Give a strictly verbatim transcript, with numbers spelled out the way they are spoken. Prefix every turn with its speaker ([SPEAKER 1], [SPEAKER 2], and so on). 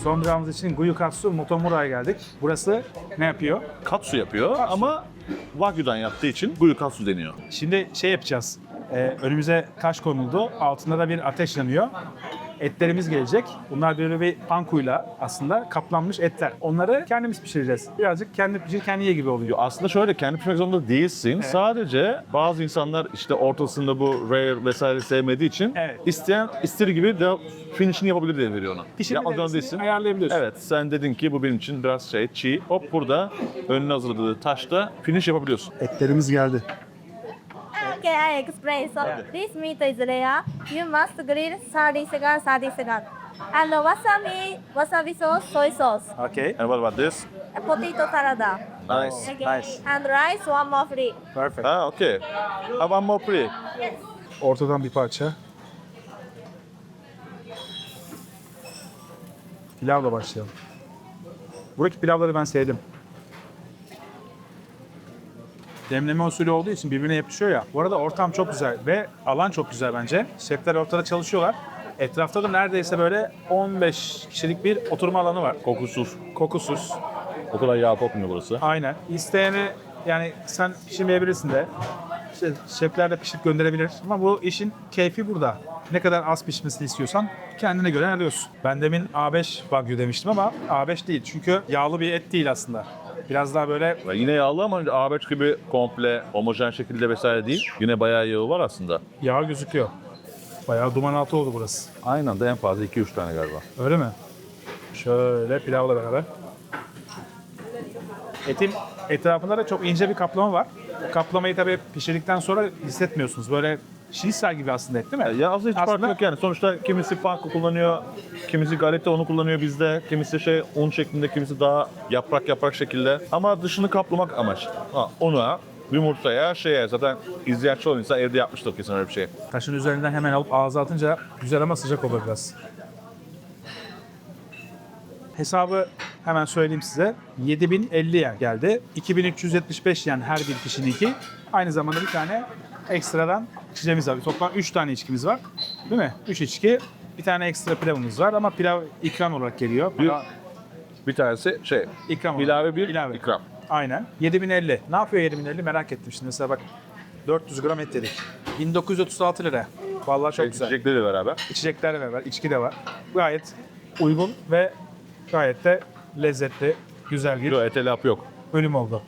[SPEAKER 1] Son durağımız için Gyukatsu Motomura'ya geldik. Burası ne yapıyor?
[SPEAKER 2] Katsu yapıyor ama Wagyu'dan yaptığı için Gyukatsu deniyor.
[SPEAKER 1] Şimdi şey yapacağız. Ee, önümüze taş konuldu. Altında da bir ateş yanıyor. Etlerimiz gelecek. Bunlar böyle bir pankuyla aslında kaplanmış etler. Onları kendimiz pişireceğiz. Birazcık kendi pişir, kendi ye gibi oluyor.
[SPEAKER 2] Aslında şöyle kendi pişirmek zorunda değilsin. Sadece bazı insanlar işte ortasında bu rare vesaire sevmediği için
[SPEAKER 1] Evet.
[SPEAKER 2] isteyen istediği gibi de finishini yapabilir diye veriyor ona.
[SPEAKER 1] Pişirme
[SPEAKER 2] Yapmak zorunda
[SPEAKER 1] derecesini
[SPEAKER 2] değilsin.
[SPEAKER 1] ayarlayabiliyorsun.
[SPEAKER 2] Evet sen dedin ki bu benim için biraz şey çiğ. Hop burada önüne hazırladığı taşta finish yapabiliyorsun.
[SPEAKER 1] Etlerimiz geldi.
[SPEAKER 3] Okay, I explain. So this meat is rare. You must grill thirty seconds, thirty seconds. And wasabi, wasabi sauce, soy sauce,
[SPEAKER 1] Okay.
[SPEAKER 2] And what about this?
[SPEAKER 3] and potato salad.
[SPEAKER 2] Nice.
[SPEAKER 3] Okay.
[SPEAKER 1] Nice.
[SPEAKER 3] And rice, one more free.
[SPEAKER 1] Perfect.
[SPEAKER 2] Ha okay. Have one more free.
[SPEAKER 1] Ortadan bir parça. Pilavla başlayalım. Buradaki pilavları ben sevdim. Demleme usulü olduğu için birbirine yapışıyor ya. Bu arada ortam çok güzel ve alan çok güzel bence. Şefler ortada çalışıyorlar. Etrafta da neredeyse böyle on beş kişilik bir oturma alanı var.
[SPEAKER 2] Kokusuz.
[SPEAKER 1] Kokusuz.
[SPEAKER 2] O kadar yağ kokmuyor burası.
[SPEAKER 1] Aynen. İsteyene yani sen pişirmeyebilirsin de. İşte şefler de pişirip gönderebilir. Ama bu işin keyfi burada. Ne kadar az pişmesini istiyorsan kendine göre ayarlıyorsun. Ben demin A beş Wagyu demiştim ama A beş değil. Çünkü yağlı bir et değil aslında. Biraz daha böyle
[SPEAKER 2] Ve yine yağlı ama A beş gibi komple homojen şekilde vesaire değil. Yine bayağı yağı var aslında.
[SPEAKER 1] yağ gözüküyor. Bayağı duman altı oldu burası.
[SPEAKER 2] Aynı anda en fazla iki üç tane galiba.
[SPEAKER 1] Öyle mi? Şöyle pilavla beraber. Etin etrafında da çok ince bir kaplama var. Bu kaplamayı tabii pişirdikten sonra hissetmiyorsunuz. Böyle şinisel gibi aslında et değil mi?
[SPEAKER 2] Ya aslında hiç fark
[SPEAKER 1] Aslında-
[SPEAKER 2] yok yani. Sonuçta kimisi panko kullanıyor, kimisi galeta unu kullanıyor bizde, kimisi şey un şeklinde, kimisi daha yaprak yaprak şekilde. Ama dışını kaplamak amaç. Ha, una, yumurtaya, şeye zaten izleyen çoğu insan evde yapmıştır kesin öyle bir şey.
[SPEAKER 1] Taşın üzerinden hemen alıp ağza atınca güzel ama sıcak olur biraz. Hesabı hemen söyleyeyim size. yedi bin elli yen geldi. iki bin üç yüz yetmiş beş yen her bir kişininki. Aynı zamanda bir tane ekstradan içeceğimiz var. Toplam üç tane içkimiz var. Değil mi? üç içki. Bir tane ekstra pilavımız var ama pilav ikram olarak geliyor.
[SPEAKER 2] Bir, bir tanesi şey,
[SPEAKER 1] İkram olarak.
[SPEAKER 2] ilave bir
[SPEAKER 1] İlave.
[SPEAKER 2] ikram.
[SPEAKER 1] Aynen. yedi bin elli. Ne yapıyor yedi bin elli merak ettim şimdi. Mesela bak dört yüz gram et yedik. bin dokuz yüz otuz altı lira. Vallahi çok güzel.
[SPEAKER 2] İçecekleriyle beraber.
[SPEAKER 1] İçecekler de var, içki de var. Gayet uygun ve gayet de lezzetli, güzel bir
[SPEAKER 2] Yok, ete laf yok.
[SPEAKER 1] bölüm oldu.